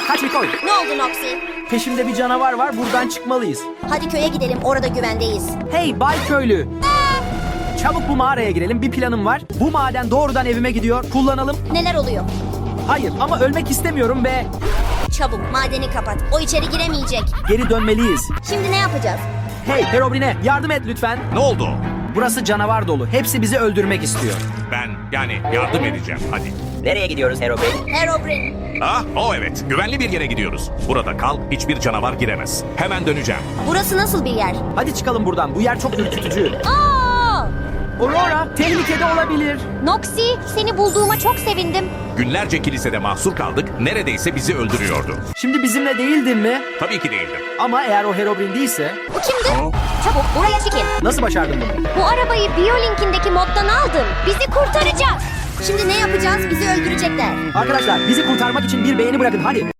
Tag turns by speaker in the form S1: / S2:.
S1: kaç Mikoy.
S2: Ne oldu Noxy?
S1: Peşimde bir canavar var, buradan çıkmalıyız.
S2: Hadi köye gidelim, orada güvendeyiz.
S1: Hey Bay Köylü. Çabuk bu mağaraya girelim, bir planım var. Bu maden doğrudan evime gidiyor, kullanalım.
S2: Neler oluyor?
S1: Hayır ama ölmek istemiyorum ve
S2: Çabuk madeni kapat. O içeri giremeyecek.
S1: geri dönmeliyiz.
S2: Şimdi ne yapacağız?
S1: Hey Herobrine, yardım et lütfen.
S3: Ne oldu?
S1: Burası canavar dolu, hepsi bizi öldürmek istiyor.
S3: Ben yardım edeceğim hadi.
S4: Nereye gidiyoruz Herobrine?
S2: Herobrine.
S3: Evet. Güvenli bir yere gidiyoruz. Burada kal, hiçbir canavar giremez. Hemen döneceğim.
S2: Burası nasıl bir yer?
S1: Hadi çıkalım buradan, bu yer çok ürkütücü.
S2: Aa!
S1: Aurora, tehlikede olabilir.
S2: Noxy, seni bulduğuma çok sevindim.
S3: Günlerce kilisede mahsur kaldık. Neredeyse bizi öldürüyordu.
S1: Şimdi bizimle değildin mi?
S3: Tabii ki değildim.
S1: Ama eğer o Herobrine değilse...
S2: Bu kimdi? Çabuk buraya çıkın.
S1: Nasıl başardın bunu?
S2: Bu arabayı Biolink'indeki moddan aldım. Bizi kurtaracak. Şimdi ne yapacağız? Bizi öldürecekler.
S1: Arkadaşlar bizi kurtarmak için bir beğeni bırakın hadi.